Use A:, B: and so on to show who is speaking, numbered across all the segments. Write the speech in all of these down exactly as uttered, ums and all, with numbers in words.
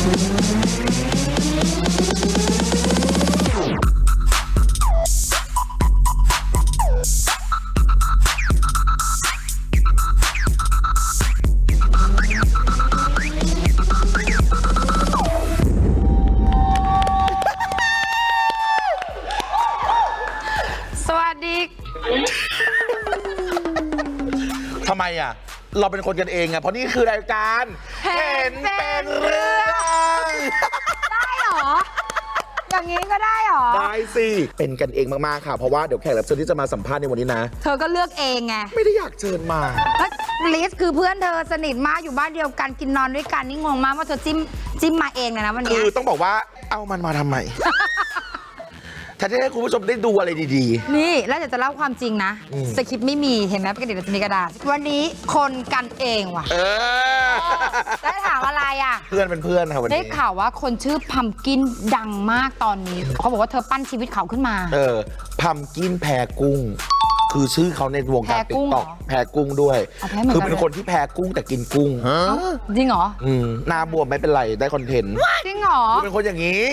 A: ทำไมอ่ะเราเป็นคนกันเองอ่ะเพราะนี่คือรายการเห็นเป็นเรื่อง
B: ได้หรออย่างนี้ก็ได้หรอ
A: ได้สิเป็นกันเองมากๆค่ะเพราะว่าเดี๋ยวแขกรับเชิญที่จะมาสัมภาษณ์ในวันนี้นะ
B: เธอก็เลือกเองไง
A: ไม่ได้อยากเชิญมา
B: แล้วลิสคือเพื่อนเธอสนิทมากอยู่บ้านเดียวกันกินนอนด้วยกันนี่งงมากว่าเธอจิ้มจิ้มมาเองเลยนะวันนี้
A: คือต้องบอกว่าเอามันมาทำไมถ้าจะให้คุณผู้ชมได้ดูอะไรดี
B: ๆนี่แล้วเดี๋ยวจะเล่าความจริงนะสคริปต์ไม่มีเห็นไหมปกติเราจะมีกระดาษวันนี้คนกันเองว่ะ
A: เออ
B: ได้ถามอะไรอ่ะ
A: เพื่อนเป็นเพื่อนค่ะวันนี้
B: ได้ข่าวว่าคนชื่อพัมกินดังมากตอนนี้เขาบอกว่าเธอปั้นชีวิตเขาขึ้นมา
A: เออพัมกินแพรกุ้งคือชื่อเขาในวงการติ๊กต็อกแพรกุ้งด้วยคือเป็นคนที่แพรกุ้งแต่กินกุ้ง
B: จริงเหรอ
A: อืมหน้าบวมไม่เป็นไรได้คอนเทนต์
B: จริงเหรอ
A: เป็นคนอย่างนี้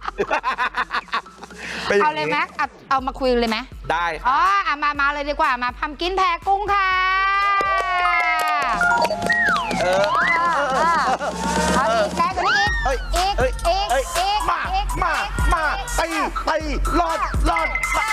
B: เอาเลยไหมเอามาคุยเลยไหม
A: ได้
B: อ๋อมามาเลยดีกว่ามาพัมกินแพรกุ้งค่ะเออเอาอีกแค่คนนี้อีกอีกอีกอีก
A: มามามาไปไปรอดรอด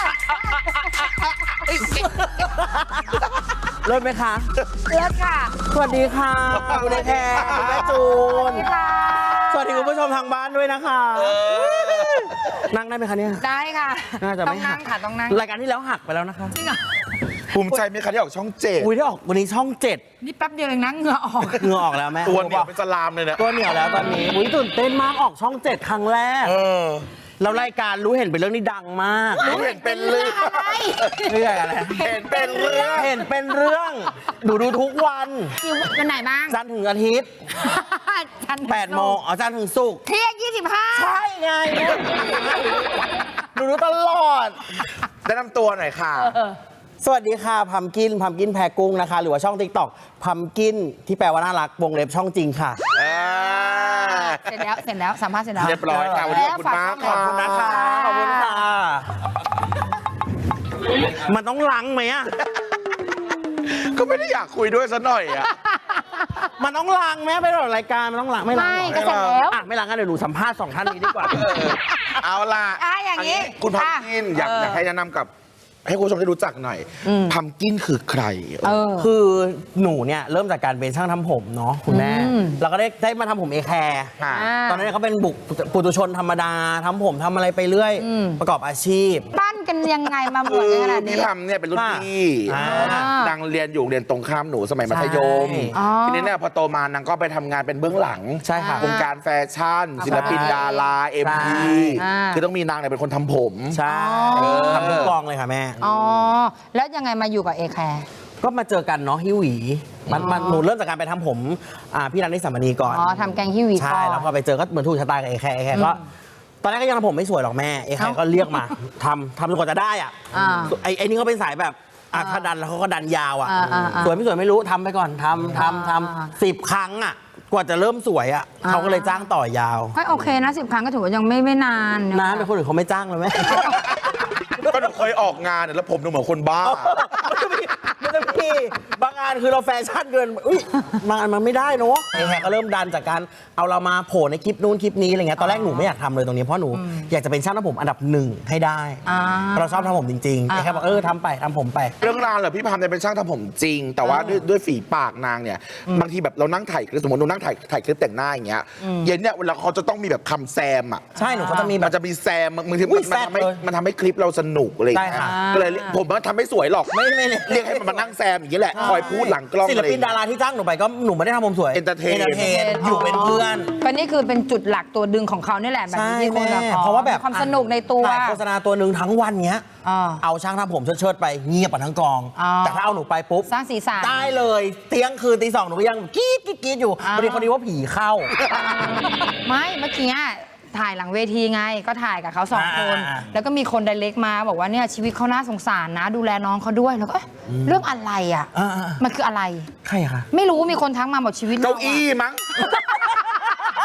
C: เลิศไหมคะ
B: เลิศค่ะ
C: สวัสดีค่ะคุณแพรคุณแม่จูนสวัสดีคุณผู้ชมทางบ้านด้วยนะคะนั่งได้ไหมคะเนี่ย
B: ได้ค่ะ
C: น่าจะไม่
B: หักค่ะต้องนั่ง
C: รายการที่แล้วหักไปแล้วนะคะ
B: จริงเหรอ
A: ภูมิใจไหมคะที่ออกช่องเจ็ด
C: อุ้ยที่ออกวันนี้ช่องเจ็ด
B: นี่แป๊บเดียวเองนะเหงื่อออก
C: เหงื่อออกแล้วแม่
A: ตัวเหนียวเป็นสลามเลยเนี่ย
C: ตัวเหนียวแล้วตอนนี้อุ้ยตื่นเต้นมากออกช่องเจ็ดครั้งแรกแล้วรายการรู้เห็นเป็นเรื่องนี้ดังมาก
A: รู้เห็นเป็นเรื่องอะไร
C: เรื่องอะไร
A: เห็นเป็นเรื่อง
C: เห็นเป็นเรื่องดูดูทุกวัน
B: วันไหนบ้าง
C: จันทร์ถึงอาทิตย์แปดโมงอ๋อจันทร์ถึงศุกร์
B: เที่ยงยี่สิบห้า
C: ใช่ไงดูดูตลอด
A: แนะนำตัวหน่อยค่ะ
C: สวัสดีค่ะพัมกินพัมกินแพรกุ้งนะคะหรือว่าช่องติ๊กต็อกพัมกินที่แปลว่าน่ารักวงเล็บช่องจริงค่ะ
B: เสร็จแล้วเสร็จแล้วสัมภาษณ์เสร็จแล้ว
A: เรียบร้อยค่ะวันนี้ขอบคุณมาก
C: ขอบคุณนะคะขอบคุณค่ะมันต้องล้างไหมอ่ะ
A: ก็ไม่ได้อยากคุยด้วยซะหน่อยอ่ะ
C: มันต้องล้างไหมไปหรอรายการมันต้องล้างไม่ล้าง
B: ก็เสร็จแล้ว
C: อ่ะไม่ล้างกันเดี๋ยวหนูสัมภาษณ์สองท่านนี้ดีกว่า
A: เอาล่ะ
B: อย่างนี้
A: คุณพัมกินอยากอยากให้แนะนำกับให้คุณผู้ชมได้รู้จักหน่อยพัมกินคือใคร
C: คือหนูเนี่ยเริ่มจากการเป็นช่างทำผมเนาะคุณแม่เราก็ได้ได้มาทำผมเอแคร์ตอนนั้นเขาเป็นบุกปุถุชนธรรมดาทำผมทำอะไรไปเรื่อยประกอบอาชีพ
B: ปั้นกันยังไงมาหมดขนาดนี้
A: พี่ทำเนี่ยเป็นรุ่นพี่นางเรียนอยู่เรียนตรงข้ามหนูสมัยมัธยมทีนี้เนี่ยพอโตมานางก็ไปทำงานเป็นเบื้องหลัง
C: ใช่ค่ะ
A: วงการแฟชั่นศิลปินดาราเอ็มพีคือต้องมีนางเนี่ยเป็นคนทำผม
C: ใช่ทำทุกกองเลยค่ะแม่
B: อ๋อแล้วยังไงมาอยู่กับเอแคร์
C: ก็มาเจอกันเนาะฮิวหวีมันมันหนูเริ่มจากการไปทำผมอ่าพี่นันนิสามณีก่อน
B: อ๋อทำแกงฮิวหวี
C: ใช่แล้วพอไปเจอก็เหมือนถูกชะตากับเอแคร์เอแคร์ก็ตอนแรกก็ยังทำผมไม่สวยหรอกแม่เอแคร์ก็เรียกมาทำทำจนกว่าจะได้อ่ะไอ้ไอ้นี่เขาเป็นสายแบบอ่ะถ้าดันแล้วเขาก็ดันยาวอ่ะสวยไม่สวยไม่รู้ทำไปก่อนทำทำทำสิบครั้งอ่ะกว่าจะเริ่มสวยอ่ะเขาก็เลยจ้างต่อยาว
B: ไม่โอเคนะสิบครั้งก็ถือว่ายังไม่ไม่นาน
C: นานแต่คนอื่นเขาไม่จ้างเลยไหม
A: ก็หนูเคยออกงานแล้วผมดูเหมือนคนบ้า
C: ไม่ได้พี่บางงานคือเราแฟชั่นเกินอุ้ยบางงานมันไม่ได้เนาะไอ้แฮกก็เริ่มดันจากการเอาเรามาโผล่ในคลิปนู้นคลิปนี้อะไรเงี้ยตอนแรกหนูไม่อยากทำเลยตรงนี้เพราะหนูอยากจะเป็นช่างทำผมอันดับหนึ่งให้ได้เราชอบทำผมจริงๆไอ้แฮกบอกเออทำไปทำผมไป
A: เรื่องราวเหรอพี่พามเนี่ยเป็นช่างทำผมจริงแต่ว่าด้วยด้วยฝีปากนางเนี่ยบางทีแบบเรานั่งถ่ายสมมติหนูนั่งถ่ายถ่ายคลิปแต่งหน้าอย่างเงี้ยเย็นเนี่ยเวลาเขาจะต้องมีแบบคำแซมอ่ะ
C: ใช่หนูเขาจะมีแบบ
A: จะมีแซมบางทีมันทำให้มันทำให้คลิปเราสนุกอะไรอย่างเงี้ยก็เลยผมมันทำไม่สวยหรอก
C: ไม่ไม่
A: เรียกให้มันมานั่งแซมอย่างนี้แหละคอยพูดหลังกล้อง
C: ศิลปินดาราที่จ้างหนูไปก็หนูไม่ได้ทำผมสวย
A: เอนเตอร์เทน
C: อยู่เป็นเพื่อน
B: ก็นี่คือเป็นจุดหลักตัวดึงของเขานี่แหละแบบที่คนแบบ
C: เพราะว่าแบบ
B: ความสนุกในตัว
C: โฆษณาตัวหนึ่งทั้งวันเนี้ยเอาช่างทำผมเชิดๆไปเงียบไปทั้งกองแต่ถ้าเอาหนูไปปุ๊บ
B: สร้างสีสัน
C: ได้เลยเที่ยงคืนตีสองหนูยังกรี๊ดกรี๊ดอยู่พอดีคนนี้ว่าผีเข้า
B: ไม่เมื่อกี้ถ่ายหลังเวทีไงก็ถ่ายกับเขาสองคนแล้วก็มีคนไดเรกมาบอกว่าเนี่ยชีวิตเขาน่าสงสารนะดูแลน้องเขาด้วยแล้วก็เรื่องอะไรอ่ะมันคืออะไร
C: ใครคะ
B: ไม่รู้มีคนทักมาบอกชีวิต
A: เก้าอี้มั้ง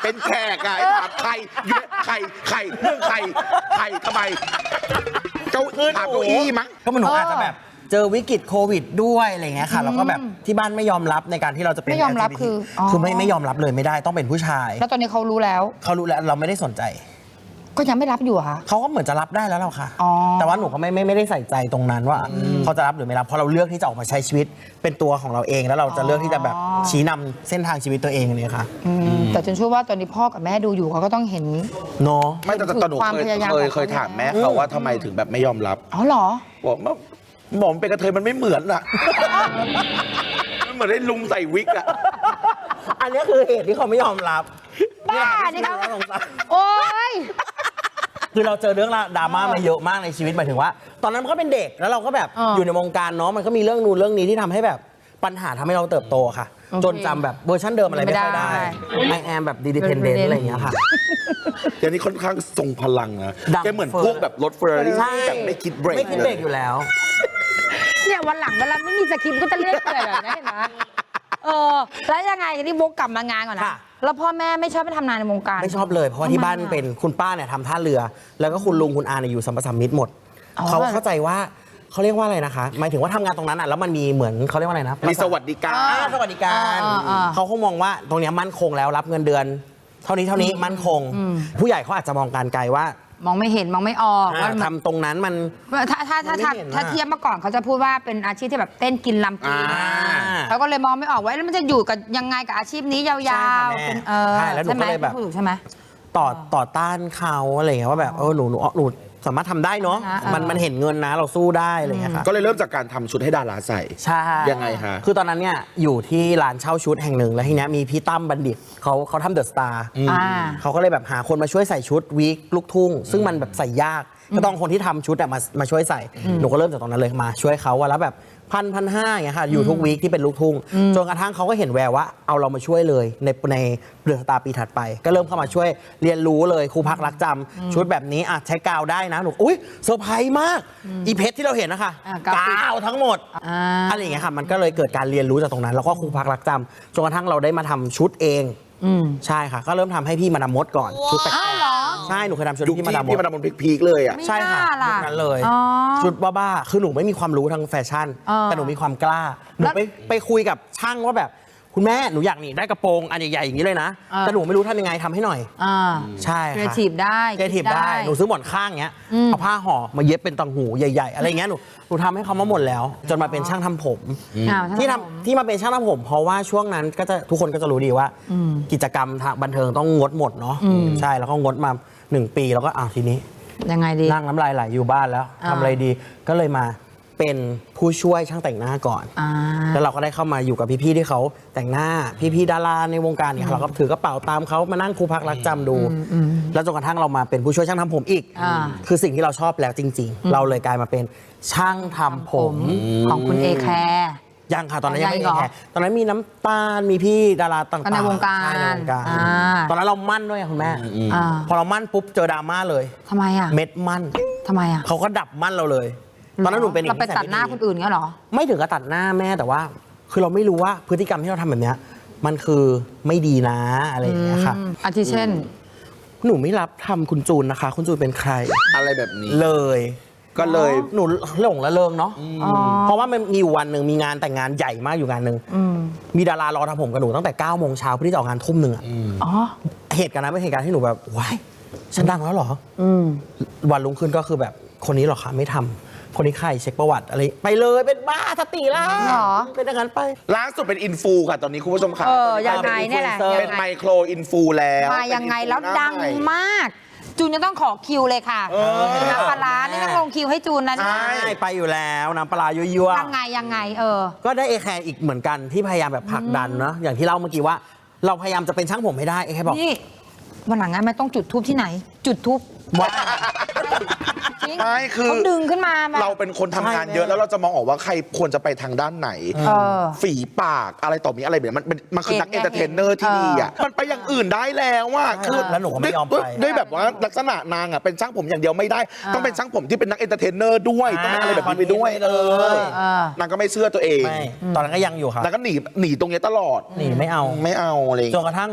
A: เป็นแขกอะไอ้ถามใครอยู่ใครใครเรื่องใครใครทำไมเก้าอี้ถามเก้าอี้มั้ง
C: ก็มันหนูอาจจะแบบเจอวิกฤตโควิดด้วยอะไรเงี้ยค่ะแล้วก็แบบที่บ้านไม่ยอมรับในการที่เราจะเป็น
B: ไม่ยอมรับ
C: แอล จี บี ที
B: คืออ๋อ
C: คือไม่ไม่ยอมรับเลยไม่ได้ต้องเป็นผู้ชาย
B: แล้วตอนนี้เขารู้แล้ว
C: เขารู้แล้วเราไม่ได้สนใจ
B: ก็ยังไม่รับอยู่เหรอคะ
C: เขาก็เหมือนจะรับได้แล้วเราค่ะ
B: อ๋อ
C: แต่ว่าหนูก็ไม่ไม่ไม่ได้ใส่ใจตรงนั้นว่าเขาจะรับหรือไม่รับเพราะเราเลือกที่จะออกมาใช้ชีวิตเป็นตัวของเราเองแล้วเราจะเลือกที่จะแบบชี้นำเส้นทางชีวิตตัวเองเนี่ยค่ะ
B: อืมแต่จนเชื่อว่าตอนนี้พ่อกับแม่ดูอยู่เขาก็ต้องเห็น
C: เนาะ
A: ไม่แต่แต่หนู
B: ความ
A: เคย
B: พยายาม
A: เคย
B: ของเขา
A: เคยถามแม่เขาว่าทำไมถึงแบบไม่ยอมรับ
B: อ๋อเหรอ
A: บอกว่าหมอมเป็นกระเทยมันไม่เหมือนอะ มันเหมือนได้ลุงใส่วิกอะ
C: อันนี้คือเหตุที่เขาไม่ยอมรับ
B: บ้า
C: นี่
B: นี่
C: แหละ
B: เขา
C: ที่สงสาร
B: โอ๊ย
C: คือเราเจอเรื่องดราม่ามาเยอะมากในชีวิตหมายถึงว่า ตอนนั้นมันก็เป็นเด็กแล้วเราก็แบบ
B: อ่า
C: อยู่ในวงการเนาะมันก็มีเรื่องนู้นเรื่องนี้ที่ทำให้แบบปัญหาทำให้เราเติบโตค่ะ
B: โอเค
C: จนจำแบบเวอร์ชันเดิมอะไรไม่ค่อยได้
B: ไม่ได้
C: ไอแอมแบบดีดิเพนเดนต์อะไรอย่างเงี้ยค่ะ
A: แกนี่ค่อนข้างทรงพลังนะ
C: ดัง
A: แกเหมือน
C: เฟอร์
A: พวกแบบรถเฟอร์รารี่
C: ใช่
A: แบบไม่คิดเบรก
C: ไม่คิดเบรกอยู่แล้ว
B: เนี่ยวันหลังเวลาไม่มีสคริปต์ก็จะเรียกเกิดแบบนี้เห็นไหมเออแล้วยังไงนี่วกกลับมางานก่อนนะ
C: ค่ะ
B: แล้วพ่อแม่ไม่ชอบไปทำงานในวงการ
C: ไม่ชอบเลยเพราะว่าที่บ้าน
B: ทำไมอะ
C: เป็นคุณป้าเนี่ยทำท่าเรือ แล้วก็คุณลุงคุณอาเนี่ยอยู่สัมปสัมมิตรหมด
B: อ๋อ
C: เขาเข้าใจว่าเขาเรียกว่าอะไรนะคะ หมายถึงว่าทำงานตรงนั้นอ่ะแล้วมันมีเหมือนเขาเรียกว่าอะไรนะ
A: มีสวัสดิการ
C: อ่าสวัสดิการ
B: อ่าอ่า
C: เขาคงมองว่าตรงเนี้ยมั่นคงแล้วรับเงินเดือน เท่านี้เท่านี้มั่นคง ผู้ใหญ่เขาอาจจะมองการไกลว่าม
B: องไม่เห็นมองไม่ออกว่ามัน
C: ทำตรงนั้นมัน
B: ถ้าถ้าถ้า
C: มันไม่
B: ถ้า
C: เห็น
B: ถ้า
C: อะ
B: เทียบเมื่อก่อนเขาจะพูดว่าเป็นอาชีพที่แบบเต้นกินลำกิน
A: อ่า
B: เขาก็เลยมองไม่ออกว่าแล้วมันจะอยู่กับยังไงกับอาชีพนี้ยาว
C: ใช่ค่ะ
B: ๆ
C: แม่
B: เป็นเออ
C: ใช่แล้วหนู
B: ใช่ไหม
C: ก็เลยแบบ
B: พูดถูกใช่ไหม
C: ต่อต่อต้านเขาอะไรอย่างเงี้ยว่าแบบเออหนูหนูหนูสามารถทำได้เนาะ
B: นะเออ
C: มันมันเห็นเงินนะเราสู้ได้อะไรอย่างเงี้ยค่ะ
A: ก็เลยเริ่มจากการทำชุดให้ดาราใส่
C: ใช่
A: ยังไงฮะ
C: คือตอนนั้นเนี่ยอยู่ที่ร้านเช่าชุดแห่งหนึ่งแล้วทีเนี้ยมีพี่ตั้มบัณฑิตเขาเขาทำเดอะสตาร์
B: อ่า
C: เขาก็เลยแบบหาคนมาช่วยใส่ชุดวีคลูกทุ่ง ซึ่งมันแบบใส่ยากก็ต้องคนที่ทำชุดอะมามาช่วยใส่หนูก็เริ่มจากตรงนั้นเลยมาช่วยเขาวันละแบบพันพันห้าอย่างเงี้ยค่ะอยู่ทุกวีคที่เป็นลูกทุ่งจนกระทั่งเขาก็เห็นแววว่าเอาเรามาช่วยเลยในในเดือนสตาร์ปีถัดไป ก็เริ่มเข้ามาช่วยเรียนรู้เลยครูพักรักจำชุดแบบนี้อ่ะใช้กาวได้นะหนูอุ้ยเซอร์ไพรส์มากอีเพชรที่เราเห็นนะคะ
B: อ่ะกาวติด
C: กาวทั้งหมด
B: อ่า
C: อะไรอย่างเงี้ยค่ะ มันก็เลยเกิดการเรียนรู้จากตรงนั้น แล้วก็ครูพักรักจำจนกระทั่งเราได้มาทำชุดเอง
B: อืม
C: ใช่ค่ะ ก็เริ่มทำให้พี่มาดามมดก่อน ชุดแปลก
B: อ้าวเหรอ
C: ๆใช่ หนูเคยทำชุด
A: ยุค
C: พี่
A: ที่
C: มาดามม
A: ที่
C: ด
A: มาดามบนพีคๆเลยอ่ะ
B: ไม่
C: ใช่ค่ะ
B: น่าล่ะ
C: ยุคนั้นเลย
B: อ๋อ
C: ชุดบ้าๆคือหนูไม่มีความรู้ทางแฟชั่น
B: เออ
C: แต่หนูมีความกล้า หนู
B: แล้ว
C: ไปไปคุยกับช่างว่าแบบ คุณแม่หนูอยากนี่ได้กระโปรงอันใหญ่ๆอย่างนี้เลยนะ
B: เออ
C: แต่หนูไม่รู้ทำยังไงทำให้หน่อย
B: อ่า
C: ใช่
B: ครีเอ
C: ค่ะ
B: ทีฟได้
C: เกทีฟได้ หนูซื้อหมอนข้างเงี้ย
B: อืม
C: เอาผ้าห่อมาเย็บเป็นตังหูใหญ่ๆ อะไรเงี้ย หนู หนูทำให้เขามาหมดแล้ว จนมาเป็นช่างทำผม
B: อ้าว
C: ที่
B: ท่านผม
C: ทำที่มาเป็นช่างทำผม เพราะว่าช่วงนั้นก็จะทุกคนก็จะรู้ดีว่า
B: อืม
C: กิจกรรมทางบันเทิงต้องงดหมดเนาะ
B: อืม
C: ใช่ แล้วก็งดมาหนึ่งปี แล้วก็อ้าวทีนี้
B: ยังไงดี
C: นั่งน้ำลายไหลอยู่บ้านแล้ว
B: อ่า
C: ทำอะไรดี ก็เลยมาเป็นผู้ช่วยช่างแต่งหน้าก่อน
B: อ่า
C: แล้วเราก็ได้เข้ามาอยู่กับพี่ๆที่เขาแต่งหน้า พี่ๆดาราในวงการเนี่ยเราก็ถือกระเป๋าตามเขามานั่งครูพักรักจำดู แล้วจนกระทั่งเรามาเป็นผู้ช่วยช่างทำผมอีก
B: อ่า
C: คือสิ่งที่เราชอบแล้วจริง ๆ เราเลยกลายมาเป็นช่างทำผม
B: ของคุณเอแคร์
C: ยังค่ะตอนนั้นยังไม่
B: ยังเหรอ
C: แค่ตอนนั้นมีน้ำตาลมีพี่ดาราต่างๆ
B: ก็ในวงการ
C: ใช่ในวงการ
B: อ่า
C: ตอนนั้นเรามั่นด้วยคุณแม่
B: อ่า
C: พอเรามั่นปุ๊บเจอดราม่าเลย
B: ทำไมอ่ะ
C: เม็ดมั่น
B: ทำไมอ่ะ
C: เขาก็ดับมั่นเราเลย ตอนนั้นหนูเป็น
B: เราไปตัดหน้าคนอื่นเงี้ยเหรอ
C: ไม่ถึงกับตัดหน้าแม่แต่ว่า คือเราไม่รู้ว่าพฤติกรรมที่เราทำแบบเนี้ยมันคือไม่ดีนะอะไรอย่างเงี้ยค่ะ
B: อืมอาทิเช่น
C: หนูไม่รับทำคุณจูนนะคะ คุณจูนเป็นใคร
A: อะไรแบบนี้
C: เลย
A: ก็เลย
C: หนูหลงละเริงเนาะ
B: อ๋อ
C: เพราะว่ามันมีอยู่วันหนึ่งมีงานแต่งงานใหญ่มากอยู่งานหนึ่ง
B: อืม
C: มีดารารอทำผมกับหนูตั้งแต่เก้าโมงเช้าเพื่อที่จะออกงานทุ่มหนึ่งอะ
B: อ๋อ
C: เหตุการณ์นั้นเป็นเหตุการณ์ที่หนูแบบว้ายฉันดังแล้วเหรอ
B: อืม
C: วันรุ่งขึ้นก็คือแบบคนนี้เหรอคะไม่ทำคนนี้ใครเช็คประวัติอะไรไปเลยเป็นบ้าสติแล้ว
B: หรอ
C: เป็นอย่างนั้นไป
A: ล่าสุดเป็นอินฟูค่ะ ตอนนี้คุณผู้ชมค่ะ
B: เออ
A: ตอนนี้
B: ยังไงเนี่ยแหละ
C: เป็น
A: เป็น
B: ยัง
A: ไม
B: ไง
A: โครอินฟูแล้ว
B: มายังไงแล้ว
A: เป็นอินฟูหน้า
B: ดัง
A: ใหม่
B: มาก จูนจะต้องขอคิวเลยค่ะ
A: เออ
B: น้ำปลาร้านี่ต้องลงคิวให้จูนนะ
A: ใช่
C: ใช่ไปอยู่แล้วน้ำปลาร้ายั่ว
B: ยังไงยังไง เออ
C: ๆก็ได้เอแคร์อีกเหมือนกันที่พยายามแบบผลักดันเนาะอย่างที่เล่าเมื่อกี้ว่า เราพยายามจะเป็นช่างผมให้ได้เอแคร์บอก
B: นี่วันหลังงั้นไม่ต้องจุดทูบที่ไหน จุดทูบ
C: ว่า
B: จริง
A: ไม่คือ
B: เขาดึงขึ้นมาแบบ
A: เราเป็นคนทำงาน
C: ใช่
A: เยอะแล้วเราจะมองออกว่าใครควรจะไปทางด้านไหน
B: เออ
A: ฝีปากอะไรต่อมีอะไรแบบนี้มันเป็นมันคือนัก
B: เห็
A: เอน น
B: ไง
A: เตอร์เทนเนอร์ที่
B: เห็น
A: ดีอ่ะมันไปอย่างอื่นได้แล้วว่า
C: ใช่
A: คือ
C: แล้วหนูก็ไม่ยอมไป
A: ด้วยด้วยแบบว่าลักษณะนางอ่ะเป็นช่างผมอย่างเดียวไม่ได้ ต้องเป็นช่างผมที่เป็นนักเอนเตอร์เทนเนอร์ด้วยต้องเป็นอะไรแบบนี้ไปด้วย
C: เล
A: เออย นางก็ไม่เชื่อตัวเอง
C: ไม่ตอนนั้นก็ยังอยู่ค่ะ
A: นางก็หนีหนีตรงเนี้ยตลอด
C: หนีไม่เอา
A: ไม่เอาอะไรอย่าง
C: จ
A: เงี้ย
C: นกระทั่ง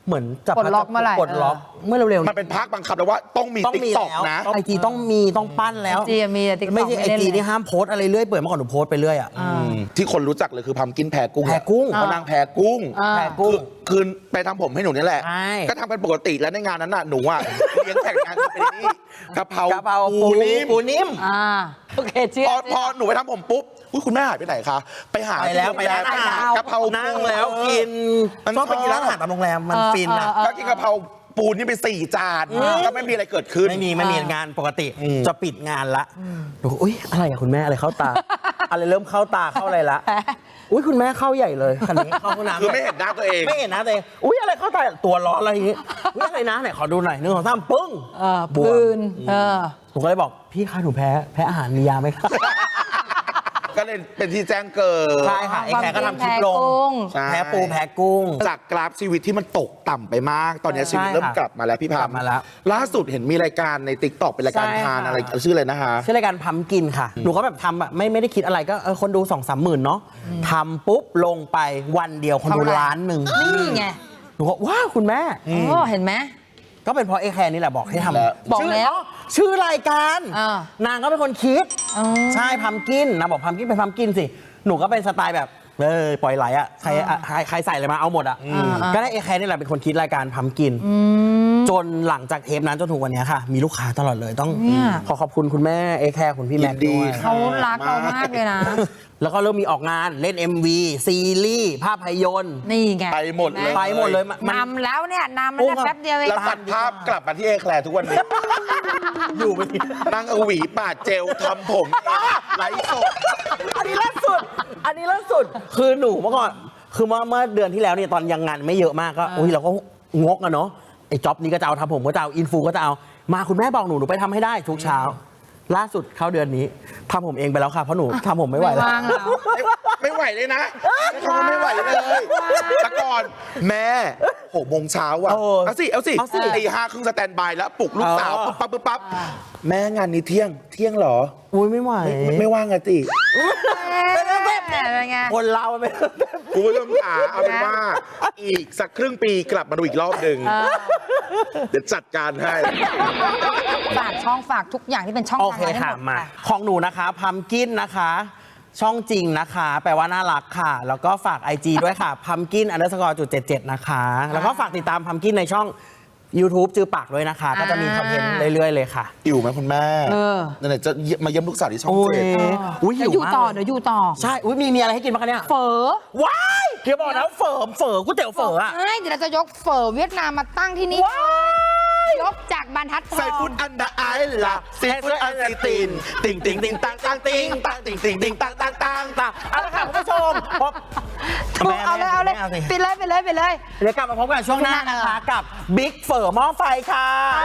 C: เหมือนจับ
B: ปลดล็อกเมื่อไหร่
C: ปลดล็อกเมื่อเร็วๆ
A: มันเป็นพักบังคับแล้วว่าต้องมี
C: ต้อง
A: ติ๊ก
C: มี
A: ต็อก
C: แล้ว
A: นะ
C: ไอจีต้องมีต้องปั้นแล้ว
B: ไอจีมีแต่ TikTok
C: ไม่ใช่ไอ
B: ไม่เล่น
C: จี
B: เลย
C: นี่ห้ามโพสต์อะไรเรื่อยเปื่อยเมื่อก่อนหนูโพสต์ไปเรื่อยอ่ะ
A: อืมที่คนรู้จักเลยคือพัมกินแพรกุ้ง
C: แพรกุ้ง
A: เพราะนางแพรกุ้ง
B: อ่า
C: แพรกุ้ง
A: คือไปทำผมให้หนูนี่แหละ
C: ใช่
A: ก็ทำเป็นปกติแล้วในงานนั้นน่ะหนูอ่ะ เลี้ยงแขกงานจะเป็นนี่กะเพราก
C: ะเพรา
A: ปูนิ่ม
C: ปูนิ่ม
B: อ่าโอเคเชื่อ
A: พอพอหนูไปทำผมปุ๊บอุ๊ยคุณแม่หายไปไหนคะ ไปหา
C: ไปแล้ว
A: ที่โรงรม
C: ไปแล้ว
A: กะเพรา
C: นั่งแล้วกิน
A: มัน
C: ชอบไปกิน
A: ชอบ
C: ร้านอาหารตามโรงแรมมันฟินอ่ะ
A: ก็กินกะเพราปูนี่ไปสี่จานก็ไม่มีอะไรเกิดขึ้น
C: ไม่มีไม่มีงานปกติ
A: อืม
C: จะปิดงานละหนูก็อุ้ยอะไรอะคุณแม่อะไรเข้าตา อะไรเริ่มเข้าตาเข้าอะไรละอุ้ยคุณแม่เข้าใหญ่เลยคันนี้เข้าห้องน้ำ
A: คือไม่เห็นหน้าตัวเอง
C: ไม่เห็นนะตัวเองอุ้ยอะไรเข้าตาตัวร้อนอะไรอย่างงี้อุ้ยอะไรนะไหนขอดูหน่อยหนึ่งสองสามปึ้ง
B: เออบ
C: วม
B: ปืนเออ
C: ผมก็เลยบอกพี่คะหนูแพ้แพ้อาหารมียาไหมคะ
A: ก็เลยเป็นที่แจ้งเกิด
C: ใช่ค่ะไอ้แขกก็ทำคลิปลง
A: ใช่
C: แพ้ปูแพ้กุ้ง
A: จากกราฟชีวิตที่มันตกต่ำไปมาก ตอนนี้ชีวิต
C: ใช่ค่ะ
A: เริ่มกลับมาแล้วพี่พาม
C: กลับมาแล้ว
A: ล่าสุดเห็นมีรายการในติ๊กต็อกเป็นรายการ
C: ใช่
A: ทาน
C: ค่ะ
A: อะไรชื่ออะไรนะคะ
C: ชื่อรายการพัมกินค่ะ หนูก็แบบทำแบบไม่ไม่ได้คิดอะไรก็เออคนดูสองสามหมื่นเนาะทำปุ๊บลงไปวันเดียวคนดู
B: เท่าไหร่
C: ล้านหนึ่ง
B: นี่ไง
C: หนูก็ว้าวคุณแม่
B: โอ้เห็นไหม
C: ก็เป็นเพราะเอแคร์นี่แหละบอกให้ท
A: แล้ว
C: ำ
B: บอก
C: ชื่
B: แล้ว
C: ชื่อรายการ
B: อ่าน
C: างก็เป็นคนคิด
B: อ๋อ
C: ใช่พัมกินนางบอกพัมกินเป็นพัมกินสิ หนูก็เป็นสไตล์แบบเออปล่อยไหลอ่ะใครอ่ะใครใครใส่อะไรมาเอาหมดอ่ะ
B: อ่า
C: ก็ได้เอแคร์นี่แหละเป็นคนคิดรายการพัมกิน จนหลังจากเทปนั้นจนถึงวันเนี้ยค่ะ มีลูกค้าตลอดเลยต้อง
B: เนี่ย
C: ขอขอบคุณคุณแม่เอแคร์คุณพี่แม็กซ์ด้วย
B: เขารักเรามากเลยนะ
C: แล้วก็เริ่มมีออกงานเล่น เอ็ม วี ซีรีส์ภาพยนตร์
B: นี่ไง
A: ไปหมดเลย
C: ไปหมดเลยมัน
B: นำแล้วเนี่ยนำ
C: โอ้
B: มันแป๊บเดียวเอง
A: แล้วตัดภาพกลับมาที่เอแคลร์ทุกวันนี้
C: อยู่ไปที
A: นั่งเอาหวีปาดเจลทำผมเองไลฟ์สด
C: อันนี้ล่าสุด อันนี้ล่าสุด คือหนูเมื่อก่อน คือเมื่อเมื่อเดือนที่แล้วเนี่ยตอนยังงานไม่เยอะมากก็อุ้ยเราก็งกอะเนาะ ไอ้จ็อบนี้ก็จะเอาทำผมก็จะเอาอินฟูก็จะเอา มาคุณแม่บอกหนูหนูไปทำให้ได้ทุกเช้า ล่าสุดเข้าเดือนนี้ทำผมเองไปแล้วค่ะเพราะหนูทำผมไม่ไหวแล้ว
B: วางแล้ว
A: ไม่ไม่ไหวเลยนะเขาไม่ไหวเลยแต่ก่อนแม่หกโมงเช้าอ่ะ
C: เออ
A: เอาสิ เอาสิ
C: เอาสิ
A: ตีห้าครึ่งสแตนบายแล้วปลุกลูกสาว
C: เออ
A: ปุ๊บปั๊บปุ๊บปั๊บแม่งานนี้เที่ยงเที่ยงเหรอ
C: อุ้ยไม่ไหว
A: ไม่ไม่ว่างอะติ
B: เป็นไง
C: คนเรามันเป็น
A: คุณผู้ชมขาเอาเป็นว่า อีกสักครึ่งปีกลับมาดูอีกรอบหนึ่ง
B: เออ
A: เดี๋ยวจัดการให้
B: ฝากช่องฝากทุกอย่างที่เป็นช่อง
C: โอ
B: ทาง
C: เค
B: ให้
C: ค่ะ
B: หมด
C: มา
B: ค่ะ
C: ของหนูนะคะพัมกินนะคะ ช่องจริงนะคะ แปลว่าน่ารักค่ะ แล้วก็ฝาก ไอ จี ด้วยค่ะพัมกินอันเดอร์สกอร์จุดเจ็ดเจ็ดนะคะ แล้วก็ฝากติดตามพัมกินในช่อง YouTube จือปากด้วยนะคะ ก็จะมีคอนเทนต์เรื่อย ๆ เลยค่ะ
A: อยู่ไหมคุณแม่
B: เออ
A: ไหนๆจะมาเยี่ยมลูกสาวที่ช่อง
C: โอ้ย
A: เจ็ด
C: อุ้ย
B: เดี๋
C: หิ
B: ยว วอยู่
C: มาก
B: ต่อ
C: เลย
B: เดี๋ยวอยู่ต่อ
C: ใช่อุ้ยมีมีอะไรให้กินบ้างคะเนี่ย
B: เฝอ
C: ว้ายเดี๋ยวบอกนะเฝอเฝอก๋วยเตี๋ยวเฝออะ
B: ใช่เดี๋ยวเราจะยกเฝอเวียดนามมาตั้งที่นี่ยกจากบรรทัดท
A: ใส่
B: อง
A: ฟุตอันดาไอล่ะซีฟุตอันซีตินติ่งติ่งติ่งตังตังติ่งตังติ่งติ่งติ่งตังตังตังตัง
C: เอาละค่ะคุณผู้ชมพบ
B: ถูกเอาเลยเอาเลย
C: แม่สิ
B: ไปเลยไปเลยไปเลย
C: เดี๋ยวกลับมาพบกันช่วงหน้านะคะ กับบิ๊กเฝอหม้อไฟค่ะ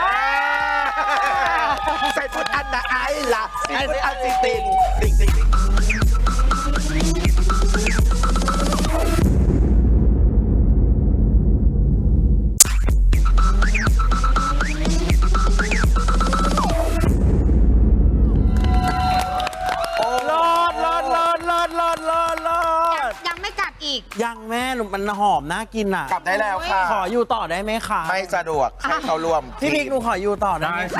A: ใส่ฟุตอันดาไอล่ะซีฟุตอันซีตินติ่งติ่งติ่ง
C: รอดรอดรอดรอดรอดรอดรอด
B: ยังไม่กลับอีก
C: ยังแม่หนูมันหอมน่ากินอ่ะ
A: กลับได้แล้วค่ะ
C: ขออยู่ต่อได้ไหมคะ
A: ไม่สะดวกให้เขาร่วม
C: พี่บิ๊กหนูขออยู่ต่อได้ไหมคะ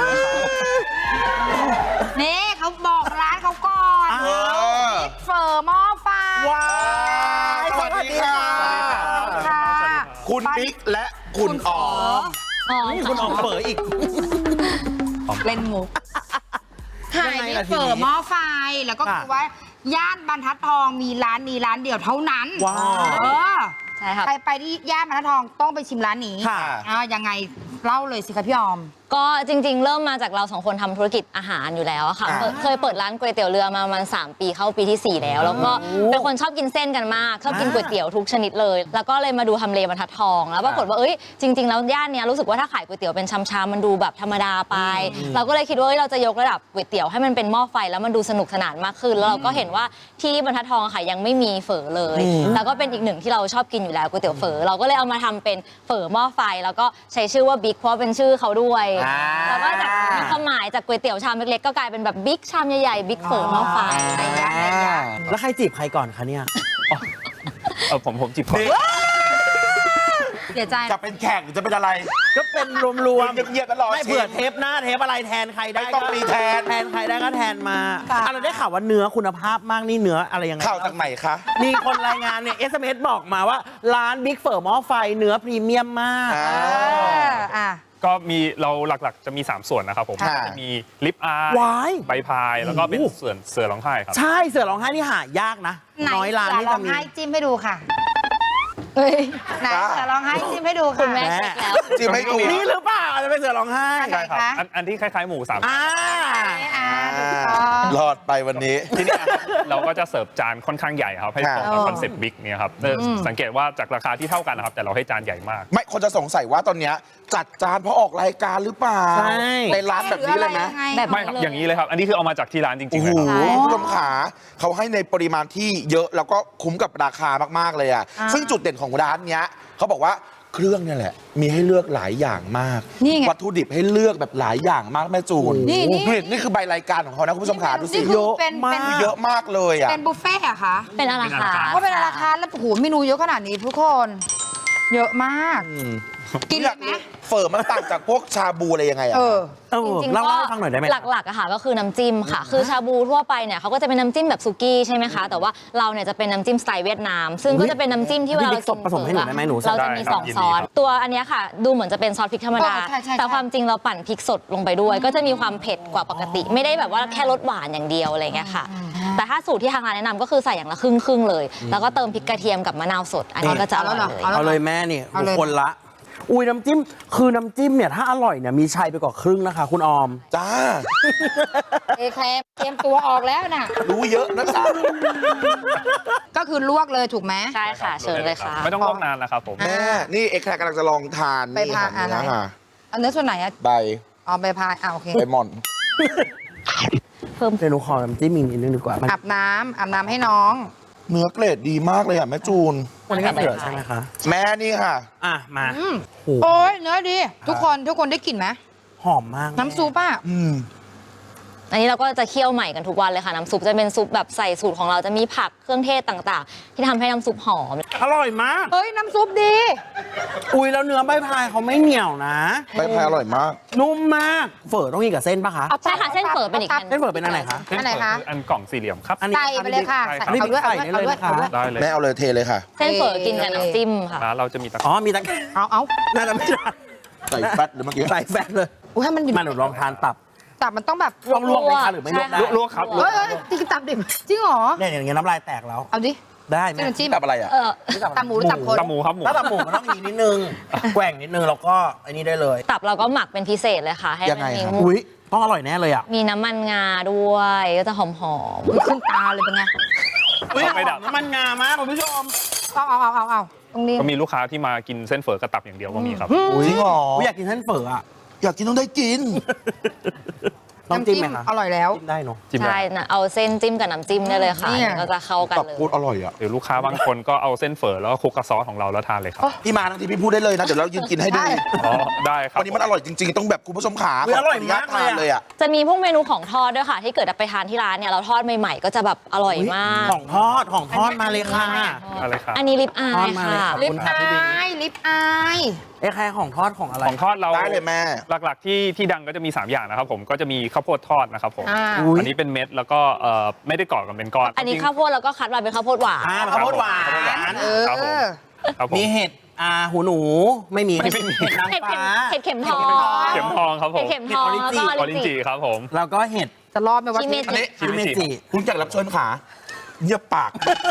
B: นี่เขาบอกร้านเขาก่อน
C: อ้า
A: เออ
B: เฝอหม้อไฟ
C: ว้าย
A: สวัสดีค่ะ
B: ค่ะ
A: คุณบิ๊กและคุณอ๋อม
B: อ๋อ
C: นี่คุณออกเฝออีก
B: เล่นมุกขาย
C: ยังไง
B: นี่
C: ล่ะทีนี้
B: เฝอหม้อไฟแล้วก็
C: ค่ะ
B: คือว่า ย่านบรรทัดทองมีร้านนี้ร้านเดียวเท่านั้น
C: ว้าว
B: เออ
D: ใช่ค่ะ
B: ใครไปที่ย่านบรรทัดทองต้องไปชิมร้านนี้
C: ค่ะ
B: อ่ายังไงเล่าเลยสิคะพี่ออม
D: ก็จริงๆ เริ่มมาจากเราสองคนทำธุรกิจอาหารอยู่แล้วอะค่ะ
A: อ่า
D: เคยเคยเปิดร้านก๋วยเตี๋ยวเรือมาประมาณสามปีเข้าปีที่ สี่ แล้ว แล้วก็เป็นคนชอบกินเส้นกันมาก ชอบกินก๋วยเตี๋ยวทุกชนิดเลย แล้วก็เลยมาดูทำเลบรรทัดทอง แล้วปรากฏว่าเอ้ยจริง ๆ แล้วย่านเนี้ยรู้สึกว่าถ้าขายก๋วยเตี๋ยวเป็นชามๆมันดูแบบธรรมดาไป เราก็เลยคิดว่าเอ้ยเราจะยกระดับก๋วยเตี๋ยวให้มันเป็นหม้อไฟแล้วมันดูสนุกสนานมากขึ้น แล้วเราก็เห็นว่าที่บรรทัดทองอะค่ะยังไม่มีเฝอเลย แล้วก็เป็นอีกหนึ่งที่เราชอบกินอยู่แล้วก๋วยเตี๋ยวเฝอเราก็เลยเอามาทำเป็นเฝอหม้อไฟแล้วก็ใช้ชื่อว่าบิ๊กเพราะเป็นชื่อเขาด้วย
A: อ่า
D: แล้วก็จากมีความหมายจากก๋วยเตี๋ยวชามเล็กๆก็กลายเป็นแบบบิ๊กชามใหญ่ๆบิ๊กเฝอหม้อไฟอะไรอย่างเงี้ย
C: แล้วใครจีบใครก่อนคะเนี่ย
E: เออผมผมจีบก่อน
A: น
B: เสียใจ
A: จะเป็นแขกหรือจะเป็นอะไร
C: ก็เป็นรวมๆ
A: เงียบๆแล้วรอ
C: ไม่
A: ชิม
C: เผื่อเทปหน้าเทปอะไรแทนใครได้
A: ไม่ต้องมีแทน
C: แทนใครได้ก็แทนมาอ่ะเราได้ข่าวว่าเนื้อคุณภาพมากนี่เนื้ออะไรยังไง
A: ข่าวจากไหนคะ
C: มีคนรายงานเนี่ย เอส เอ็ม เอส บอกมาว่าร้านบิ๊กเฝอหม้อไฟเนื้อพรีเมียมมาก
A: อ่า
B: เอออ่ะ
E: ก็มีเราหลักๆจะมี สาม ส่วนนะครับผม
A: ค่ะ
E: จะมีลิปอาร์
C: ว้าย
E: ใบพาย แล้วก็เป็น
C: โอ้โห
E: ส่วนเสือร้องไห้ครับ
C: ใช่เสือร้องไห้นี่หายากนะ
B: ไหน
C: น้อยร้าน
B: เสือ
C: ที่
B: ร้อ
C: จะ
B: ง
C: มี
B: ไห้จิ้มให้ดูค่ะเฮ้ยไหนเสือร้องไห้จิ้มให้ดู
D: คุ
B: ค่ะ
D: ณแม่เช็คแล้ว
A: จิ้มให้ดู
C: นี่หรือเปล่าอาจจะเป็นเสือร้องไห้
B: ไหน
E: ครับ
B: คะ
E: อันอันที่คล้ายๆหมูสาม
C: อ่า
B: อ่าถูกต้อง
A: รอดไปวันนี้
E: ที่นี่เราก็จะเสิร์ฟจานค่อนข้างใหญ่ครับ ให้ตรงกับคอนเซ็ปต์บิ๊กเนี่ยครับเออสังเกตว่าจากราคาที่เท่ากันนะครับ แต่เราให้จานใหญ่มาก
A: ไม่คนจะสงสัยว่าตอนเนี้ยจัดจานเพราะออกรายการหรือเปล่า
C: ใช่
A: ในร้านแบบนี้เลยไหม
D: แบบ
E: ไม่ครับ อย่างนี้เลยครับ อันนี้คือเอามาจากที่ร้านจริ
A: โอ้
E: งๆ
A: โห
E: เลยครับ
A: คุณผู้ชมขาเขาให้ในปริมาณที่เยอะแล้วก็คุ้มกับราคามากๆเลยอ่ะ
B: อ่า
A: ซึ่งจุดเด่นของร้านเนี้ยเขาบอกว่าเครื่องเนี่ยแหละ มีให้เลือกหลายอย่างมาก
B: นี่ไง
A: วัตถุดิบให้เลือกแบบหลายอย่างมากแม่จูน
B: นี่นี่
A: นี่นี่คือใบรายการของเขานะคุณผู้ชมขาดูสิ
B: นี่คือเป็น
C: เยอะมาก
B: เป็น
A: เยอะมากเลยอ่ะ
B: เป็นบุฟเฟ่ต์เหรอะคะ
D: เป็นอาราคาร์ท
B: ว่าเป็นราคาแล้วโอ้โหเมนูเยอะขนาดนี้ทุกคน เยอะมาก กินเลยไหม
A: เฝอมันต่างจากพวกชาบูอะไรยังไงอ่ะ
B: เออ
C: เออ
D: จริงๆ
C: เล่า
D: ก็
C: เล่าให้ฟังหน่อยได้ไหม
D: หลักๆอะค่ะก็คือน้ำจิ้มค่ะ คือชาบูทั่วไปเนี่ยเขาก็จะเป็นน้ำจิ้มแบบซุกี้ใช่ไหมคะ แต่ว่าเราเนี่ยจะเป็นน้ำจิ้มสไตล์เวียดนาม ซึ่งก็จะเป็นน้ำจิ้มที่เวลาเรา
C: พี่บิ๊ก
D: กิน
C: ผสมให้หนูได้ไหมหนู
D: เราจะมี
E: ได้ครับ
D: สอง
E: ยิน
D: ซ
E: ดี
D: อ
E: ค
D: ส
E: รับ
D: ตัวอันเนี้ยค่ะ ดูเหมือนจะเป็นซอสพริกธรรมดา
B: เออใช่ใช่ใช่
D: แต่ความจริงเราปั่นพริกสดลงไปด้วย ก็จะมีความเผ็ดกว่าปกติ ไม่ได้แบบว่าแค่รสหวานอย่างเดียวอะไรเงี้ยค่ะ แต่ถ้าสูตรที่ทางร้านแนะนำก็คือใส่อย่างละครึ่งครึ่งๆเลย แล้วก็เติมพริกกระเทียมกับมะนาวสด อันนี้ก็จะอร่อยเลย
C: เอาเลยแม่นี่
B: เอาเลย
C: คนละ อุ้ยน้ำจิ้มคือน้ำจิ้มเนี่ยถ้าอร่อยเนี่ยมีชัยไปกว่าครึ่งนะคะ คุณออม
A: จ้า
B: เอแคลร์เตรียมตัวออกแล้วน่ะ
A: รู้เยอะนะจ๊ะ
B: ก็คือลวกเลยถูกไหม
D: ใช่ค่ะ เชิญเลยค่ะ
E: ไม่ต้องลวกนานนะครับผม
A: แม่ นี่เอ็กแคร์กำลังจะลองทาน
B: ไป
A: นี่
B: พา
A: ค่ะ
B: อะไร
A: เนื้อค่ะ
B: เอาเนื้อส่วนไหนอะ
A: ใบ
B: เอาไปพายอ่าโอเค
A: ใบหม่อน
C: เพิ่มเมนูขอน้ำจิ้มอีกนิดนึงดีกว่ามัน
B: อาบน้ำอาบน้ำให้น้อง
A: เนื้อเกรดดีมากเลยอ่ะแม่จูน
C: วันนี้ก็เสือใช่ไหมคะ
A: แม่นี่ค่ะ
C: อ่ะมา
B: อืม
C: โอ้โห
B: โอ้ยเนื้อดี ทุกคนทุกคนได้กลิ่นไหม
C: หอมมาก
B: น้ำซุปอ่ะ
A: อืม
D: อันนี้เราก็จะเคี่ยวใหม่กันทุกวันเลยค่ะ น้ำซุปจะเป็นซุปแบบใส่สูตรของเราจะมีผักเครื่องเทศต่างๆ ที่ทำให้น้ำซุปหอม
C: อร่อยมาก
B: เฮ้ย น้ำซุปดี
C: อุ้ยแล้วเนื้อใบพายเขาไม่เหนียวนะ
A: ใบพายอร่อยมาก
C: นุ่มมาก เฝอต้องกินกับเส้นปะคะ
D: ใช่ค่ะเส้นเฝอเป็นอีกอัน
C: เส้นเฝอเป็นอันไหนคะ
B: อันไหนคะ
E: อันกล่องสี่เหลี่ยมครับ
C: อันนี้
B: ใส่ไปเลยค่ะ
E: ใช่
B: ใส่
E: ครับ
B: เอาด้วย
C: ใส่
B: เอาด้วย
C: ได้
B: เอา
C: เลย
B: ด้วย
C: นะคะ
B: เอาด้วย
E: ได้เลย
A: แม่เอาเลยเทเลยค่ะ
D: เส้นเฝอกินกับน้ำจิ้มค่ะ
E: ร้านเราจะมีตะ
C: อ๋อมีตะ
B: เอาเอา
C: น่าจะไม่ได้
A: ใส่แฟตหรือเมื่อกี้
C: ใส่แฟตเลย
B: อุ้ยให้มันดิบ
C: มาหนูลองทานตับ
B: ตับมันต้องแบบ
C: ลองลวกไหมคะหรือไม่ลวกได้
E: ลวกครับ
B: เฮ้ยเฮ้ยจริงตับดิบจริงเหรอ
C: เนี่ยอย่างเงี้ยน้ำลายแตกแล้ว
B: เอาดิ
C: ได้ไหม
B: เส้นน้ำจิ้ม
A: แบบอะไรอ่ะ
D: เออ
B: ตับหมูหรือตับคน
E: ตะหมูครับหมู
C: ถ้าตับหมูมันต้องอย่างนี้นิดนึง แกว่งนิดนึงแล้วก็อันนี้ได้เลย
D: ตับเราก็หมักเป็นพิเศษเลยค่ะ ให้
A: ยัง
D: มั
A: ไง
D: นมี
A: ครับ
C: อุ้ยต้องอร่อยแน่เลยอ่ะ
D: มีน้ำมันงาด้วยก็จะหอม
B: อุ๊ยขึ้นตาเลยเป็นไง
C: อุ้ย
E: ไม่ดับ
C: น้ำมันงามากคุณผู้ชม
B: เอาเอาเอาเอาเอาตรงนี้
E: ก็มีลูกค้าที่มากินเส้นเฝอกระตับอย่างเดียวก็มีครับ
A: จริงเหรอ
C: อุ้ยอยากกินเส้นเฝออ่ะ
A: อยากกินต้องได้กิน
C: ต้องจิ้มไหมคะ
B: อร่อยแล้ว
C: จิ้มได้เนาะ
E: จิ้ม
D: ๆ ใช่
E: ได้
D: นะเอาเส้นจิ้มกับน้ำจิ้มได้เลยค่ะ
B: เนี่ย
D: ก็จะเข้ากัน
A: ตับ
D: เลย
A: พูดอร่อยอ่ะ
E: หรือลูกค้าบางคนก็เอาเส้นเฝอแล้วก็คลุกกับซอสของเราแล้วทานเลยครับ
A: พี่มาทั้งทีพี่พูดได้เลยนะ เดี๋ยวเรายืนกินให้ดู
B: ได้
E: อ๋อ ได้ครับ
A: วันนี้มันอร่อยจริงๆ ต้องแบบคุณผู้ชมขา
C: อุ๊ยอร่อย
A: ขนุญต
C: มากเลยอะ
A: ทนเลยอ่ะ
D: จะมีพวกเมนูของทอดด้วยค่ะ ที่เกิดไปทานที่ร้านเนี่ยเราทอดใหม่ๆ ก็จะแบบอร่อยมาก
C: ของทอดของทอดมาเลยค่ะ
E: อะไรครับ
D: อันนี้ลิปอา
C: ทอด
D: ย
C: มาเลย
D: ค่ะ
C: ครับ
B: ลิปอายลิปอาย
C: ไอ้แค่ของทอดของอะไร
E: ของทอดเรา
A: ได้เลยแม่
E: หลักๆที่ที่ดังก็จะมี สาม อย่างนะครับผมก็จะมีข้าวโพดทอดนะครับผม
B: อ่า
C: อุ๊ย
E: อันนี้เป็นเม็ดแล้วก็เอ่อไม่ได้กรอกกันเป็นก้อน
D: อันนี้ข้าวโพดแล้วก็คัดมาเป็นข้าวโพดหวาน
C: อ่าข้าวโพดหวาน
B: เออ
E: ครับผมครับผม
C: มีเห็ดอ่าหูหนูไม่มี
E: ไม่มี
C: เห็ดนาง
D: เห็ดเข็ม
C: ฟ้า
D: เห็ดเข็มทอง
E: เข็มทองครับผ
D: เห็ด
E: ม
D: เข็มทองแล้วก็
E: อ
D: อ
E: อ
D: อ
E: ริ
D: ริ
E: น
D: น
E: จิ
D: จิ
E: ครับผม
C: แล้วก็เห็ด
B: จะรอดไหมวะ
D: ชิเมจิ
A: อันนี้
E: ชิเมจิ
C: จิ
A: คุณแขกรับเชิญขาเงียบปาก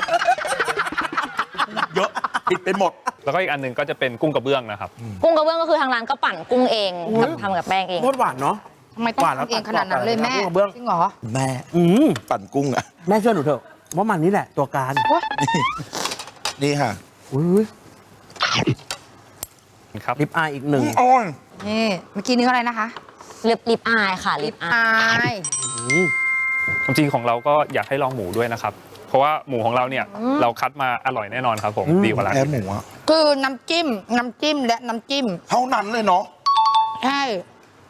A: เยอะผิดไปหมด
E: แล้วก็อีกอันหนึงก็จะเป็นกุ้งกระเบื้องนะครับ
D: กุ้งกระเบื้องก็คือทางร้านก็ปั่นกุ้งเองทำทำกับแป้งเอง
C: โคตรหวานเนาะ
B: ทำไมต้อง
C: หวานแล้ว
B: ทำเองขนาดนั้นเลยแม่
C: ตัดกรอบๆเลยนะกุ้งกระเบื้อง
B: จริงเหรอ
A: แม่
C: อืม
A: ปั่นกุ้งอ่ะ
C: แม่เชื่อหนูเถอะว่ามันนี่แหละตัวการ
B: โอ๊ย
A: นี่ค่ะ
C: อุ้ย
E: ครับ
C: ลิปอายอีกหนึ่ง
A: อ้อน
B: นี่เมื่อกี้เนื้ออะไรนะคะ
D: ลิปลิปอายค่ะลิปอาย
B: อาย
E: ความจริงของเราก็อยากให้ลองหมูด้วยนะครับ เพราะว่าหมูของเราเนี่ยเราคัดมาอร่อยแน่นอนครับผมดีกว่าร้าน
A: แพ้
E: อื่น
A: หมูอ่ะ
B: คือน้ำจิ้ม น้ำจิ้มและน้ำจิ้ม
A: เท่านั้นเลยเนาะ
B: ใช่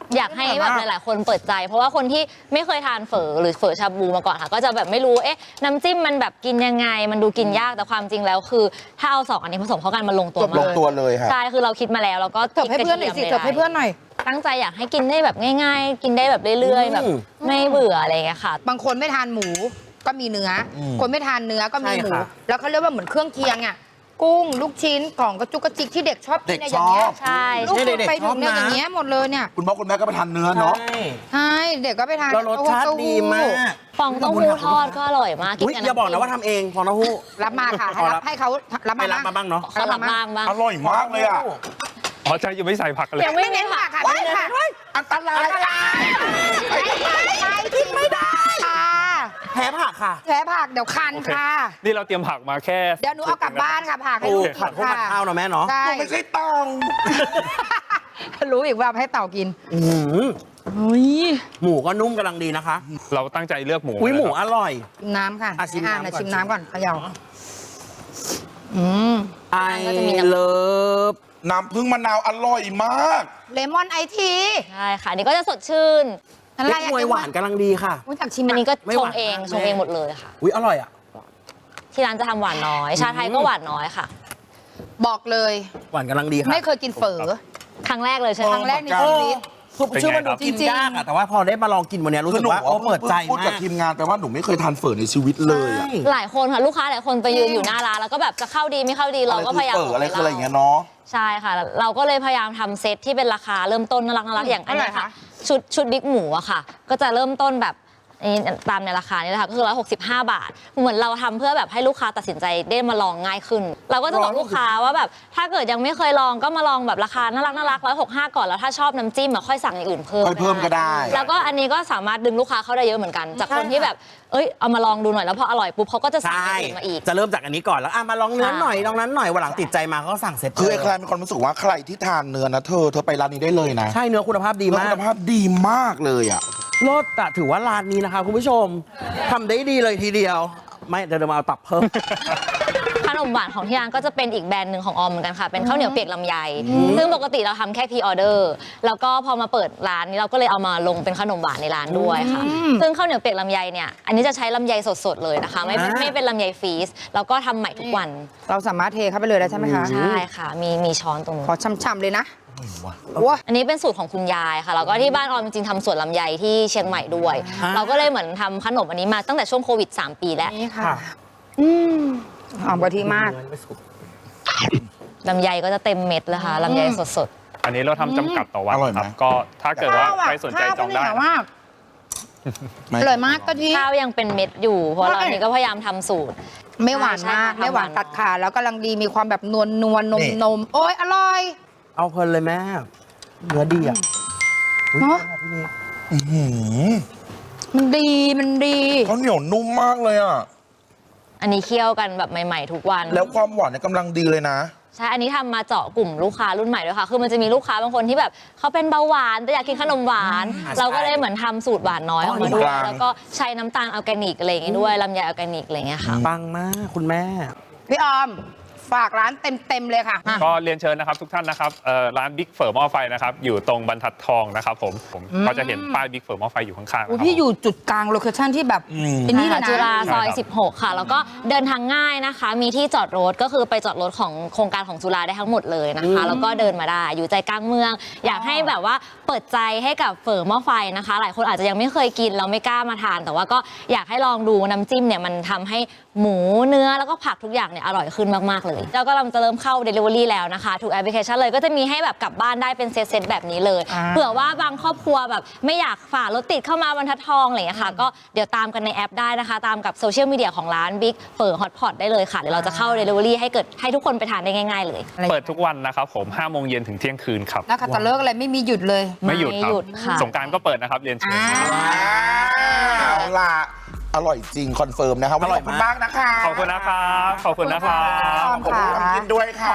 D: อยากให้แบบหลายๆคนเปิดใจ เพราะว่าคนที่ไม่เคยทานเฝอหรือเฝอชาบูมาก่อนค่ะก็จะแบบไม่รู้เอ๊ะน้ำจิ้มมันแบบกินยังไงมันดูกินยากแต่ความจริงแล้วคือถ้าเอาสองอันนี้ผสมเข้ากันมันลงตัวมาก
A: ลงตัวเลยค่ะ
D: ใช่คือเราคิดมาแล้วแล้วก็
B: เถิบให้เพื่อนหน่อยสิเถิบให้เพื่อนหน่อย
D: ตั้งใจอยากให้กินได้แบบง่ายๆ กินได้แบบเรื่อยๆแบบไม่เบื่ออะไรอย่างเงี้ยค่ะ
B: บางคนไม่ทานหมูก็มีเนื้ออคนไม่ทานเนื้อก็มีหมู
C: ใช่ค่ะ
B: แล้วเขาเรียกว่าเหมือนเครื่องเคียงอ่ะกุ้งลูกชิ้นของกระจุกกระจิกที่เด็กชอบกิน
A: เด็ก
B: เนี่ยอย่างเงี้ย
A: ชอบ
D: ใช่
B: ลูก
C: ใช่
B: คุณ
C: เด็กๆ
B: ไปถึงเนี่ย
C: ชอบนะ
B: อย่างเงี้ยหมดเลยเนี่ย
A: คุณพ่อคุณแม่ก็ไปทานเนื้อเนาะ
C: ใช่
B: ใช่เด็กก็ไปทาน
C: แล้วรสชาติ
B: เต้หู้
C: ดีมาก
D: ฟองเต้าหู้ทอดก็อร่อยมากกิน
C: อุ๊ย
D: กับ
C: อย่าบอกนะ
D: ำจิ้ม
C: ว่าทำเองฟองเต้าหู้
B: รับมาค่ะให้
C: อ๋อ
B: รั
C: รั
B: บบ ให้เขารับ
C: ไม่
B: มา
C: รับมาบ้างเนาะ
D: เขาทำบ้างบ้าง
A: อร่อยมากเลยอ่ะ
E: อ๋อใช่ยังไม่ใส่ผักเลย
D: ยัง
B: ไม่เน้นผักค่ะไม่เน้นผัก
A: อันตราย
B: อันตรายกินไม่ได้ค่ะ
C: แพ้ผักค่ะ
B: แพ้ผักเดี๋ยวคัน
E: โอเค
B: ค่ะ
E: นี่เราเตรียมผักมาแค่
B: เดี๋ยวหนูเอากลับบ้านค่ะผักให้
C: โอ้
B: ลูก
C: ผัดพวกผัดข้าวเนาะแม่เนาะ
B: ใช่
A: ไม่ใช่ตอง
B: รู้อีกว่าเอาให้เต่ากิน
C: อื้อหือ
B: อุ้ย
C: หมูก็นุ่มกำลังดีนะคะ
E: เราตั้งใจเลือกหมู
C: อุ้ยหมู
E: นะครับ
C: อร่อย
B: ชิมน้ำค่ะ
C: อ่ะชิมน้ำ
B: อ่ะ
C: ก่อน
B: ชิมน้ำก่อนเขย่าอืม
C: ไอ
D: ก็จะมีน้ำ
C: เลิฟ
A: น้ำผึ้งมะนาวอร่อยมาก
B: เลมอนไอที
D: ใช่ค่ะอันนี่ก็จะสดชื่น
B: อะไร
C: เล็ก
B: อะ
C: มวยหวานกำลังดีค่ะ
B: รู้จักชิม
D: อันนี้ก็
C: ไม่
D: ช
C: ห
D: ง
C: วาน
D: เอง
C: มาก
D: ชงเองหมดเลยค่ะ
C: อุ้ยอร่อยอ่ะ
D: ที่ร้านจะทำหวานน้อย ชาไทยก็หวานน้อยค่ะ
B: บอกเลย
C: หวานกำลังดีค่ะ
B: ไม่เคยกินเฝอ
D: ครั้งแรกเลยใช่ไหม
B: ครั้งแรกในชีวิต
C: คือชื่อมันดูกิน
B: จริงๆ
C: ยากอะแต่ว่าพอได้มาลองกินวันเนี้ยรู้สึกว่าโอ้เปิดใจ
A: พูด
C: มา
A: กับ
C: ก
A: ทีมงานแต่ว่าหนูไม่เคยทานเฝอในชีวิตเลยอะ
D: หลายคนค่ะลูกค้าหลายคนไปยืนอยู่หน้าร้านแล้วก็แบบจะเข้าดีไม่เข้าดีเราก็พยายาม
A: เฝออะไรคืออะไรอย่างเงี้ยเนาะ
D: ใช่ค่ะ เราก็เลยพยายามทำเซตที่เป็นราคาเริ่มต้นน่ารักน่ารักอย่างอันเนี้ย
B: เท่าไหร่
D: ค่ะ
B: คะ
D: ชุดชุดบิ๊กหมูอะค่ะ ก็จะเริ่มต้นแบบนี่ตามในราคานี้แหละค่ะก็คือร้อยหกสิบห้าบาท เหมือนเราทำเพื่อแบบให้ลูกค้าตัดสินใจได้มาลองง่ายขึ้น เราก็จะบอกลูกค้าว่าแบบถ้าเกิดยังไม่เคยลองก็มาลองแบบราคาน่ารักน่ารักร้อยหกห้าก่อนแล้วถ้าชอบน้ำจิ้มอะค่อยสั่งอย่างอื่นเพิ่ม
A: ค่อยเพิ่มก็ได้
D: แล้วก็อันนี้ก็สามารถดึงลูกค้าเข้าได้เยอะเหมือนกัน จากคนที่แบบเอ้ยเอามาลองดูหน่อยแล้วพออร่อยปุ๊บเขาก็จะสั่งอ
C: ใช่
D: ย่างอื่นมาอีก
C: จะเริ่มจากอันนี้ก่อนแล้วอ่ะมาลองเนื้อหน่อยลองนั้นหน่อยวันหลังติดใจมาเขาก็สั่งเสร็จ
A: คือ
C: เล
A: ไอ้
C: ย
A: ใครมีความรู้สึกว่าใครที่ทานเนื้อนะเธอเธอไปร้านนี้ได้เลยนะ
C: ใช่เนื้อคุณภาพดี
A: เนื้อ
C: มา
A: คุ
C: ก
A: ณภาพดีมากเลยอ่ะ
C: รสอะถือว่าร้านนี้นะคะคุณผู้ชมทำได้ดีเลยทีเดียว ไม่เดี๋ยวเรามาเอาตับเพิ่ม
D: ขนมหวานของที่ร้านก็จะเป็นอีกแบรนด์หนึ่งของออมเหมือนกันค่ะ เป็นข้าวเหนียวเปียกลำไย ซึ่งปกติเราทำแค่พรีออเดอร์ แล้วก็พอมาเปิดร้านนี้เราก็เลยเอามาลงเป็นขนมหวานในร้านด้วยค่ะ ซึ่งข้าวเหนียวเปียกลำไยเนี่ย อันนี้จะใช้ลำไยสดๆเลยนะคะ ไม่เป็น
C: อ่า
D: ไม่เป็นลำไยฟรีซ แล้วก็ทำใหม่ทุกวัน
B: เราสามารถเทเข้าไปเลยได้ใช่ไหมคะ
D: ใช่ค่ะ มีมีช้อนตรงนู้น
B: ขอช่ำๆเลยนะว้า
D: อันนี้เป็นสูตรของคุณยายค่ะ แล้วก็ที่บ้านออมจริงๆทำสวนลำไยที่เชียงใหม่ด้วย
C: อ่า
D: เราก็เลยเหมือนทำขนมอันนี้มาตั้งแต่ช่วงโควิดสามปีแล้ว
B: นี่ค่ะ
C: ค่ะ
B: อืมหอมกะทิมาก
D: ลำไยก็จะเต็มเม็ดเลยค่ะลำไยสด
E: อันนี้เราทำจำกัดต่อวัน
A: อร่อยไหม
E: ครับก็ถ้าเกิดว่าใครสนใจจองได้
B: ข้าวก็เหนียวมากอร่อยมากกะทิ
D: ๆข้าวยังเป็นเม็ดอยู่ เพราะเรา
B: ใช่
D: อันนี้ก็พยายามทำสูตร
B: ไม่หวาน
D: ใช่
B: มาก
D: ใช่
B: ไม่หวาน
D: ทำหวาน
B: ตัดขาดแล้วกำลังดีมีความแบบนวลนวลนม
A: นี่
B: นมโอ้ยอร่อย
C: เอาเพลินเลยแม่เนื้อดีอ่ะอุ๊ย
B: เนอะ
C: พี่เมย์
A: อื้อหือ
B: มันดีมันดี
A: เขาเหนียวนุ่มมากเลยอ่ะ
D: อันนี้เคี่ยวกันแบบใหม่ๆทุกวัน
A: แล้วความหวานเนี่ยกำลังดีเลยนะ
D: ใช่ อันนี้ทำมาเจาะกลุ่มลูกค้ารุ่นใหม่ด้วยค่ะ คือมันจะมีลูกค้าบางคนที่แบบเขาเป็นเบาหวานแต่อยากกินขนมหวาน เราก็เลยเหมือนทำสูตรหวานน้อยออกมาด้วย
A: อ๋อ
D: แล้วก็ใช้น้ำตาลออร์แกนิกอะไรอย่างงี้ด้วยลำไยออร์แกนิกอะไรอย่างเงี้ยค่ะ
C: ปังมากคุณแม่
B: พี่ออม ฝากร้านเต็มๆเลยค่ะ
E: ก็เรียนเชิญนะครับทุกท่านนะครับเอ่อร้านบิ๊กเฝอหม้อไฟนะครับอยู่ตรงบรรทัดทองนะครับผมผมก็จะเห็นป้ายบิ๊กเฝอหม้อไฟอยู่ข้างๆ
B: อุ๊ย
E: นะครับ
B: พี่อยู่จุดกลางโลเคชั่นที่แบบ
A: อืม
B: เป็นนี่เลย
D: จุฬา
B: นะ
D: ซอย
E: ใช่ครับ
D: สิบหก ค่ะ แล้วก็เดินทางง่ายนะคะ มีที่จอดรถก็คือไปจอดรถของโครงการของจุฬาได้ทั้งหมดเลยนะคะ แล้วก็เดินมาได้อยู่ใจกลางเมือง อยากให้แบบว่าเปิดใจให้กับเฝอหม้อไฟนะคะ หลายคนอาจจะยังไม่เคยกินแล้วไม่กล้ามาทาน แต่ว่าก็อยากให้ลองดูน้ำจิ้มเนี่ยมันทำให้หมูเนื้อแล้วก็ผักทุกอย่างเนี่ยอร่อยขึ้นมากๆเลยแล้วก็กำลังจะเริ่มเข้า Delivery แล้วนะคะทุกแอปพลิเคชันเลยก็จะมีให้แบบกลับบ้านได้เป็นเซตๆแบบนี้เลย
B: อ่า
D: เผื่อว่าบางครอบครัวแบบไม่อยากฝ่ารถติดเข้ามาบรรทัดทองอะไรอย่างเงี้ยค่ะก็เดี๋ยวตามกันในแอปได้นะคะ ตามกับโซเชียลมีเดียของร้าน Big เฝอ Hot Pot ได้เลยค่ะเดี๋ยวเราจะเข้า Delivery ให้เกิดให้ทุกคนไปทานได้ง่ายๆเลย
B: อะไร
E: เปิดทุกวันนะครับผมห้าโมงเย็นถึงเที่ยงคืนครับ
B: แล้วคัตเตอร์เลิกอะไรไม่มีหยุดเลย
E: ไม่หยุดครับ
D: ไม่หยุดค่ะ
E: สงกรารก็เปิดนะครับเรียนเชิญ
B: อ่า
A: เอาล่ะ อร่อยจริง คอนเฟิร์มนะครับ
C: อร่อย
A: ขอบคุณ
C: มาก
A: มากนะคะ
E: ขอบคุณนะครับ ขอบคุณนะครั
B: ข
E: บ
B: อบคุณ
A: ขอบคุณ
B: ค่ะ
A: น้ำกินด้วยค่ะ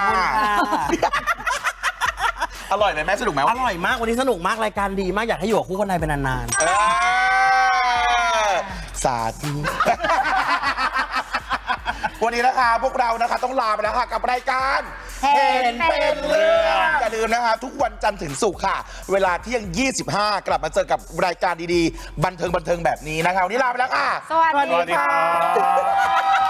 A: อร่อยไหมแม่สนุกไหม
C: อร่อยมากวันนี้สนุกมากรายการดีมากอยากให้อยู่กับคู่คนไทยเป็นนาน
A: เออสาธุ วันนี้นะคะพวกเรานะคะต้องลาไปแล้วค่ะกับรายการ
B: เห็นเป็นเรื่อง
A: อย่าลืมนะครับทุกวันจันทร์ถึงศุกร์ค่ะ เวลาเที่ยง ยี่สิบห้า กลับมาเจอกับรายการดีๆ บันเทิงบันเทิงแบบนี้นะครับวันนี้ลาไปแล้วค่ะ
B: สวัส
E: สวัส
B: ดี
E: ดีค
B: ค่ะ
E: รับ